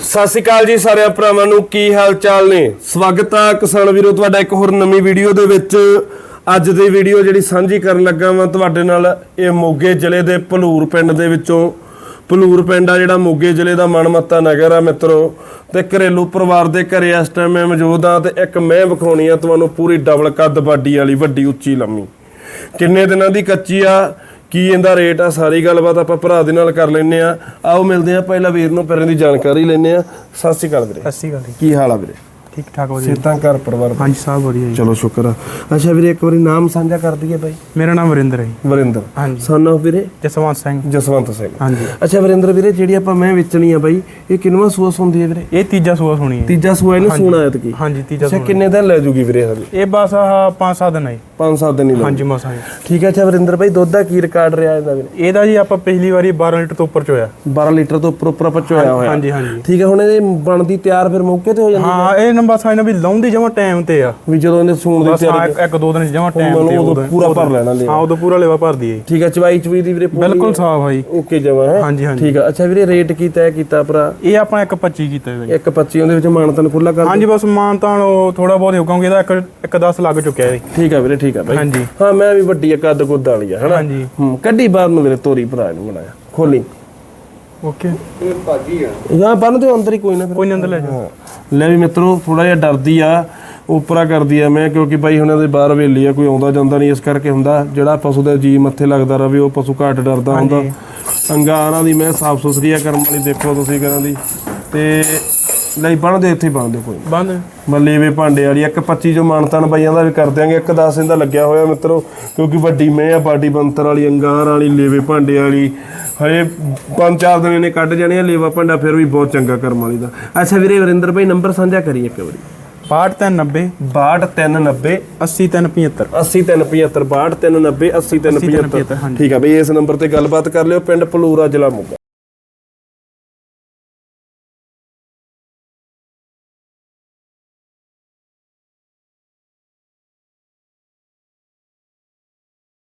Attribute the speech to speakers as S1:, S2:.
S1: ਸਤਿ ਸ਼੍ਰੀ ਅਕਾਲ ਜੀ ਸਾਰਿਆਂ ਭਰਾਵਾਂ ਨੂੰ, ਕੀ ਹਾਲ ਚਾਲ ਨੇ। ਸਵਾਗਤ ਆ ਕਿਸਾਨ ਵੀਰੋ ਤੁਹਾਡਾ ਇੱਕ ਹੋਰ ਨਵੀਂ ਵੀਡੀਓ ਦੇ ਵਿੱਚ। ਅੱਜ ਦੀ ਵੀਡੀਓ ਜਿਹੜੀ ਸਾਂਝੀ ਕਰਨ ਲੱਗਾ ਮੈਂ ਤੁਹਾਡੇ ਨਾਲ, ਇਹ ਮੋਗੇ ਜ਼ਿਲ੍ਹੇ ਦੇ ਭਲੂਰ ਪਿੰਡ ਦੇ ਵਿੱਚੋਂ। ਭਲੂਰ ਪਿੰਡ ਆ ਜਿਹੜਾ ਮੋਗੇ ਜ਼ਿਲ੍ਹੇ ਦਾ ਮਨਮੱਤਾ ਨਗਰ ਆ ਮਿੱਤਰੋ, ਤੇ ਘਰੇਲੂ ਪਰਿਵਾਰ ਦੇ ਘਰੇ ਇਸ ਟਾਈਮ ਮੈਂ ਮੌਜੂਦ ਆ ਤੇ ਇੱਕ ਮੈਂ ਵਿਖਾਉਣੀ ਆ ਤੁਹਾਨੂੰ ਪੂਰੀ ਡਬਲ ਕੱਦ ਬਾਡੀ ਵਾਲੀ, ਵੱਡੀ ਉੱਚੀ ਲੰਮੀ। ਕਿੰਨੇ ਦਿਨਾਂ ਦੀ ਕੱਚੀ ਆ, ਕੀ ਇਹਦਾ ਰੇਟ ਆ, ਸਾਰੀ ਗੱਲਬਾਤ ਆਪਾਂ ਭਰਾ ਦੇ ਨਾਲ ਕਰ ਲੈਂਦੇ ਆ। ਆਓ ਮਿਲਦੇ ਆ ਪਹਿਲਾਂ ਵੀਰ ਨੂੰ, ਫਿਰ ਇਹਦੀ ਜਾਣਕਾਰੀ ਲੈਂਦੇ ਆ। ਸਤਿ ਸ਼੍ਰੀ ਅਕਾਲ ਵੀਰੇ।
S2: ਸਤਿ ਸ਼੍ਰੀ ਅਕਾਲ।
S1: ਕੀ ਹਾਲ ਆ ਵੀਰੇ?
S2: ਠੀਕ ਠਾਕ ਵਧੀਆ।
S1: ਸਿਹਤਾਂ ਘਰ ਪਰਿਵਾਰ?
S2: ਹਾਂਜੀ ਸਭ ਵਧੀਆ ਜੀ।
S1: ਚਲੋ ਸ਼ੁਕਰ ਆ। ਅੱਛਾ ਵੀਰੇ ਇੱਕ ਵਾਰੀ ਨਾਮ ਸਾਂਝਾ ਕਰ ਦਈਏ ਬਾਈ।
S2: ਮੇਰਾ ਨਾਮ ਵਰਿੰਦਰ ਹੈ ਜੀ।
S1: ਵਰਿੰਦਰ।
S2: ਹਾਂਜੀ।
S1: ਸਨ ਆਫ ਵੀਰੇ
S2: ਜਸਵੰਤ ਸਿੰਘ।
S1: ਜਸਵੰਤ ਸਿੰਘ।
S2: ਹਾਂਜੀ।
S1: ਅੱਛਾ ਵਰਿੰਦਰ ਵੀਰੇ, ਜਿਹੜੀ ਆਪਾਂ ਮੈਂ ਵੇਚਣੀ ਆ ਬਾਈ, ਇਹ ਕਿੰਨਵਾਂ ਸੂਆ ਹੁੰਦੀ ਹੈ ਵੀਰੇ?
S2: ਇਹ ਤੀਜਾ ਸੂਆ ਹੋਣੀ ਹੈ।
S1: ਤੀਜਾ ਸੂਆ ਇਹਨੂੰ ਸੂਣਾ ਐਤ ਕੀ?
S2: ਹਾਂਜੀ ਤੀਜਾ
S1: ਅੱਛਾ
S2: ਸੂਆ।
S1: ਕਿੰਨੇ ਦਿਨ ਲੈ ਜੂਗੀ ਵੀਰੇ ਹਲੇ?
S2: ਇਹ ਬਸ ਆਹ 5-7 ਦਿਨ ਹੈ ਜੀ।
S1: 5-7 ਦਿਨ ਹੀ
S2: ਹਾਂਜੀ ਮਸਾਂ ਜੀ।
S1: ਠੀਕ ਹੈ। ਅੱਛਾ ਵਰਿੰਦਰ ਬਾਈ, ਦੁੱਧ ਦਾ ਕੀ ਰਿਕਾਰਡ ਰਿਹਾ ਇਹਦਾ ਵੀਰੇ?
S2: ਇਹਦਾ ਜੀ ਆਪਾਂ ਪਿਛਲੀ ਵਾਰੀ 12 ਲੀਟਰ ਤੋਂ ਉੱਪਰ ਚੋਇਆ।
S1: 12 ਲੀਟਰ ਤੋਂ ਉੱਪਰ ਆਪਾਂ ਚੋਇਆ ਹੋਇਆ।
S2: ਹਾਂਜੀ ਹਾਂਜੀ।
S1: ਠੀਕ ਹੈ। ਹੁਣ ਇਹ ਬਣਦੀ ਤਿਆਰ ਫਿਰ ਮੌਕੇ ਤੇ ਹੋ ਜਾਂਦੀ?
S2: ਹਾਂ ਇਹ ਨੰਬਰ ਸਾਈਨ ਵੀ ਲਾਉਂਦੀ ਜਮਾ ਟਾਈਮ ਤੇ ਆ,
S1: ਵੀ ਜਦੋਂ ਇਹਨੇ ਸੂਣ ਦੀ
S2: ਬਸ
S1: ਤਿਆਰੀ
S2: 1-2 ਦਿਨ ਜਮਾ ਟਾਈਮ ਤੇ
S1: ਉਦੋਂ ਪੂਰਾ ਭਰ ਲੈਣਾ ਲੈ।
S2: ਹਾਂ ਉਦੋਂ ਪੂਰਾ ਲੇਵਾ ਭਰਦੀ ਹੈ।
S1: ਠੀਕ ਹੈ। ਚਵਾਈ ਚਵੀ ਦੀ ਵੀਰੇ
S2: ਬਿਲਕੁਲ ਸਾਫ ਹੈ ਜੀ।
S1: ਓਕੇ ਜਮਾ ਹੈ।
S2: ਹਾਂਜੀ ਹਾਂਜੀ।
S1: ਠੀਕ ਹੈ। ਅੱਛਾ ਵੀਰੇ ਰੇਟ ਕੀ ਤੈਅ ਕੀਤਾ ਭਰਾ?
S2: ਇਹ ਆਪਾਂ 1.25 ਕੀਤਾ ਹੈ ਜੀ।
S1: 1.25 ਉਹਦੇ ਵਿੱਚ ਮਾਨਤਨ ਖੁੱਲਾ ਕਰ?
S2: ਹਾਂਜੀ ਬਸ ਮਾਨਤਾਨ ਥੋੜਾ ਬਹੁਤ ਹੋ ਕਿਉਂਕਿ ਇਹਦਾ 1.10 ਲੱਗ ਚੁੱਕਿਆ ਹੈ।
S1: ਠੀਕ ਹੈ ਵੀਰੇ। ਠੀਕ ਹੈ ਬਾਈ।
S2: ਹਾਂਜੀ।
S1: ਹਾਂ ਮੈਂ ਵੀ ਵੱਡੀ ਆ ਕੱਦ ਕੁੱਦ ਵਾਲੀ ਆ ਹਨਾ। ਹਾਂਜੀ। ਕੱਢੀ ਬਾਹਰ ਨੂੰ ਵੀਰੇ, ਤੋਰੀ ਭਰਾ ਨੂੰ ਬਣਾਇਆ, ਖੋਲੀ।
S2: ਓਕੇ।
S1: ਇਹ ਭਾਜੀ ਆ ਜਾਂ ਬੰਨ ਤੇ ਅੰਦਰ ਹੀ ਕੋਈ ਨਾ, ਫਿਰ
S2: ਕੋਈ ਅੰਦਰ ਲੈ ਜਾ।
S1: ਲੈ ਵੀ ਮਿੱਤਰੋ, ਥੋੜਾ ਜਿਹਾ ਡਰਦੀ ਆ, ਉਪਰਾ ਕਰਦੀ ਆ ਮੈਂ, ਕਿਉਂਕਿ ਬਾਈ ਉਹਨਾਂ ਦੇ ਬਾਹਰ ਹਵੇਲੀ ਆ, ਕੋਈ ਆਉਂਦਾ ਜਾਂਦਾ ਨਹੀਂ, ਇਸ ਕਰਕੇ ਹੁੰਦਾ ਜਿਹੜਾ ਪਸ਼ੂ ਦਾ ਜੀ ਮੱਥੇ ਲੱਗਦਾ ਰਵੇ ਉਹ ਪਸ਼ੂ ਘੱਟ ਡਰਦਾ ਹੁੰਦਾ। ਅੰਗਾਰਾਂ ਦੀ ਮੈਂ ਸਾਫ ਸੁਥਰੀ ਆ ਕਰਮ ਵਾਲੀ, ਦੇਖੋ ਤੁਸੀਂ ਕਰਾਂ ਦੀ। ਤੇ ਲਈ ਬਣਦੇ ਇੱਥੇ ਬਣਦੇ ਕੋਈ
S2: ਬੰਦ
S1: ਮੱਲੇਵੇ ਭਾਂਡੇ ਵਾਲੀ 1.25 ਜੋ ਮਾਨਤਾਨ ਬਾਈਆਂ ਦਾ ਵੀ ਕਰ ਦਿਆਂਗੇ। 1.10 ਇਹਦਾ ਲੱਗਿਆ ਹੋਇਆ ਮਿੱਤਰੋ, ਕਿਉਂਕਿ ਵੱਡੀ ਮੈਂ ਆ, ਬਾਡੀ ਬੰਤਰ ਵਾਲੀ, ਅੰਗਾਰ ਵਾਲੀ, ਲੇਵੇ ਭਾਂਡੇ ਵਾਲੀ। ਹਜੇ 5-4 ਦਿਨ ਇਹਨੇ ਕੱਢ ਜਾਣੇ ਆ ਲੇਵਾ ਭਾਂਡਾ, ਫਿਰ ਵੀ ਬਹੁਤ ਚੰਗਾ ਕਰਮ ਵਾਲੀ ਦਾ। ਅੱਛਾ ਵੀਰੇ ਵਰਿੰਦਰ ਭਾਈ, ਨੰਬਰ ਸਾਂਝਾ ਕਰੀਏ ਇੱਕ ਵਾਰੀ।
S2: 6290
S1: 6290
S2: 80375
S1: 80375 6290 80375। ਠੀਕ ਆ ਬਈ, ਇਸ ਨੰਬਰ ਤੇ ਗੱਲਬਾਤ ਕਰ ਲਿਓ। ਪਿੰਡ ਭਲੂਰਾ, ਜ਼ਿਲ੍ਹਾ ਮੋਗਾ।